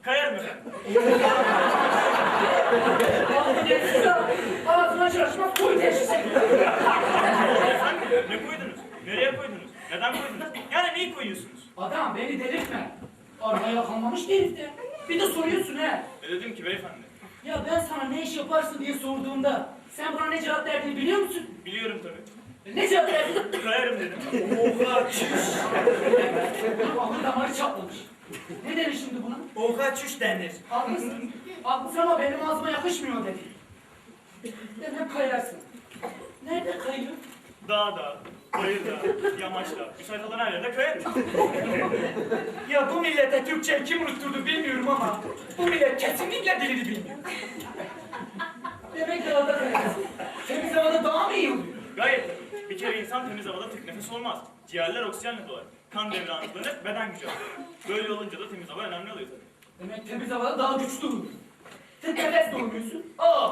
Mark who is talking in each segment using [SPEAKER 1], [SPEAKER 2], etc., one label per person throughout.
[SPEAKER 1] Kayarım efendim.
[SPEAKER 2] Ağzına çalışmak koy teşhisi.
[SPEAKER 1] Efendim ne koydunuz? Nereye koydunuz? Neden koydunuz? Yani neyi koyuyorsunuz?
[SPEAKER 2] Adam beni delirtme. Arabaya kalmamış herifte. Bir de soruyorsun he.
[SPEAKER 1] Ne dedim ki beyefendi?
[SPEAKER 2] Ya ben sana ne iş yaparsın diye sorduğumda sen bana ne cevap verdiğini biliyor musun?
[SPEAKER 1] Biliyorum tabii.
[SPEAKER 2] Ne cevap verdin?
[SPEAKER 1] Kayarım dedim.
[SPEAKER 2] Oha çüş. Ahır damarı çatlamış. Ne denir şimdi buna?
[SPEAKER 3] Oha çüş denir.
[SPEAKER 2] Haklısın. Haklısın ama benim ağzıma yakışmıyor dedi. Demek kayarsın. Nerede kayıyor?
[SPEAKER 1] Dağda, bayırda, yamaçta, müsait olan her yerde kayarım.
[SPEAKER 2] Ya bu millete Türkçe kim unutturdu bilmiyorum ama bu millet kesinlikle dilini bilmiyor. Demek dağda kayarsın. Temiz havada daha mı iyi oluyor?
[SPEAKER 1] Gayet tabii. Bir kere insan temiz havada tek nefes olmaz. Ciğerler oksijenle dolar. Kan devre hızlanır, beden gücü alır. Böyle olunca da temiz hava önemli oluyor tabii.
[SPEAKER 2] Demek temiz havada daha güçlü olur. Sen nefes doğmuyorsun. Aa!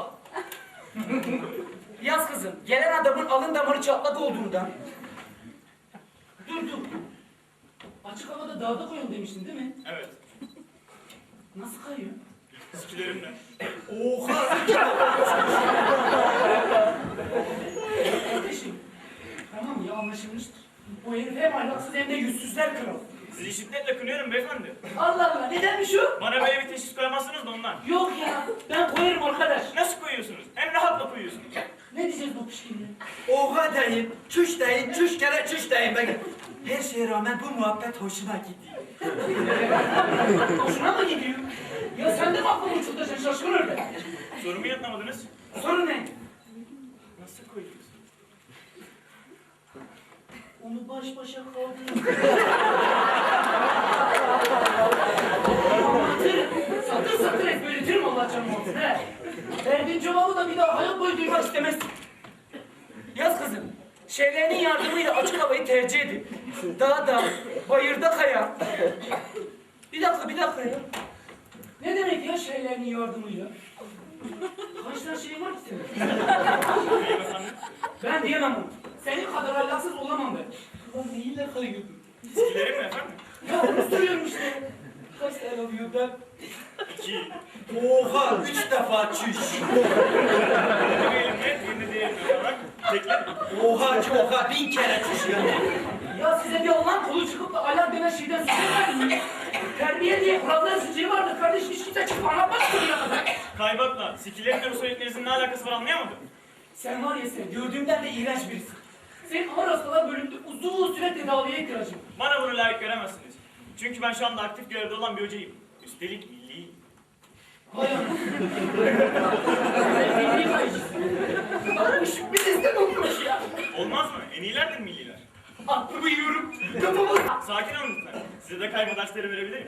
[SPEAKER 2] Yaz kızım, gelen adamın alın damarı çatlak olduğundan. Dur. Açık havada dağda koyun demiştin değil mi?
[SPEAKER 1] Evet.
[SPEAKER 2] Nasıl kayıyor?
[SPEAKER 1] Sikilerimle.
[SPEAKER 3] Oha!
[SPEAKER 2] Kardeşim, tamam ya anlaşılmıştır. Bu herif hem ahlaksız hem de yüzsüzler kralı.
[SPEAKER 1] Sizi şiddetle kınıyorum beyefendi.
[SPEAKER 2] Allah Allah, nedenmiş o?
[SPEAKER 1] Bana böyle bir teşhis koyamazsınız da ondan.
[SPEAKER 2] Yok ya, ben koyarım arkadaş.
[SPEAKER 1] Nasıl koyuyorsunuz? Hem rahatla koyuyorsunuz.
[SPEAKER 2] Ne diyeceğiz bu pişkinliğe?
[SPEAKER 3] Oha deyin, çüş deyin, çüş kere çüş deyin. Bakın, her şeye rağmen bu muhabbet hoşuma gidiyor.
[SPEAKER 2] Hoşuna mı gidiyor? Ya sen de mi aklını uçurtacaksın şaşkın öyle?
[SPEAKER 1] Sorumu yanıtlamadınız.
[SPEAKER 2] Sorun ne?
[SPEAKER 1] Nasıl koyuyorsunuz?
[SPEAKER 2] Onu baş başa kaldırın. Satır ezberletirim Allah canım olsun he. Verdiğin cevabı da bir daha hayat boyu duymak istemezsin. Yaz kızım, şeylerinin yardımıyla açık havayı tercih edin. Dağda, bayırda kaya. Bir dakika ya. Ne demek ya şeylerinin yardımıyla? Kaç tane şey var ki senin?
[SPEAKER 1] Beyim efendim.
[SPEAKER 2] Ben diyemem onu. Senin kadar ahlaksız olamam ben. Ulan neyle kayıyordun?
[SPEAKER 1] Sikilerimle efendim.
[SPEAKER 2] Ya onu soruyorum işte. Kaç tane alıyor ben?
[SPEAKER 1] 2.
[SPEAKER 3] Oha, 3 defa çüş.
[SPEAKER 1] Birini bir elimle, birini diğer elimle olarak teklerim.
[SPEAKER 3] Oha, 1000 kere çüş yani.
[SPEAKER 2] Ya size bir Allah'ın kulu çıkıp da alar denen şeyden söz vermedin mi? Terbiye diye kuralların zinciri vardır kardeşim. Hiç kimse çıkıp anlatmaz buraya kadar.
[SPEAKER 1] Kaybakla, sikilerimle bu söylediklerinizin ne alakası var anlayamadım.
[SPEAKER 2] Sen var ya sen, gördüğümden de iğrenç birisin. Senin ağır hastalar bölümünde uzun süre tedaviye ihtiyacın var.
[SPEAKER 1] Bana bunu layık göremezsiniz. Çünkü ben şu anda aktif görevde olan bir hocayım. Üstelik milli.
[SPEAKER 2] Vay anam. Sen milli kayıcısın. Ama şu bir sizden olmuş ya.
[SPEAKER 1] Olmaz mı? En iyilerdir milliler.
[SPEAKER 2] Aklımı yiyorum. Kafamı...
[SPEAKER 1] Sakin olun lütfen. Size de kayma dersleri verebilirim.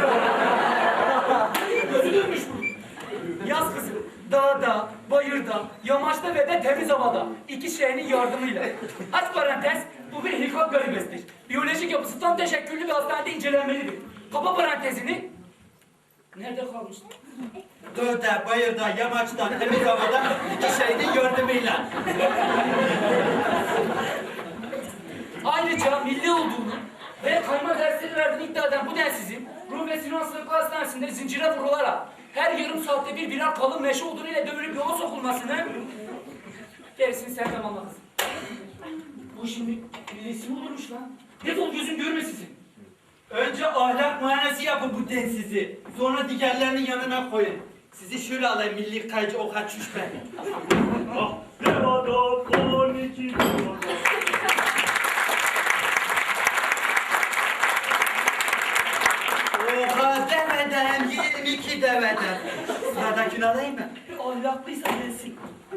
[SPEAKER 2] Gözü dönmüş bu. Yaz kızım, dağda, bayırda, yamaçta ve de temiz havada. İki şeyinin yardımıyla. Aç parantez, bu bir hilkat garibesidir. Biyolojik yapısı tam teşekküllü bir hastanede incelenmelidir. Kapa parantezini. Nerede kalmıştın?
[SPEAKER 3] Dağda, bayırda, yamaçta, temiz havada, 2 şeyin yardımıyla.
[SPEAKER 2] Ayrıca milli olduğunu ve kayma dersleri verdiğini iddia eden bu densizin Rum ve Sinan Sırkı Hastanesi'nde zincire vurularak her yarım saatte birer kalın meşe odunuyla dövülüp yola sokulmasını gerisini sen tamamladın. Bu şimdi millisi mi olurmuş lan? Defol gözüm görmesin seni.
[SPEAKER 3] Önce ahlak muayenesi yapın bu densizi. Sonra diğerlerinin yanına koyun. Sizi şöyle alayım, milli kayıcı oha çüş ben.
[SPEAKER 1] Ah, devada 12 devada.
[SPEAKER 3] Oha demeden 22 deveden. Sıradakini alayım mı?
[SPEAKER 2] Ahlaklıysa gelsin.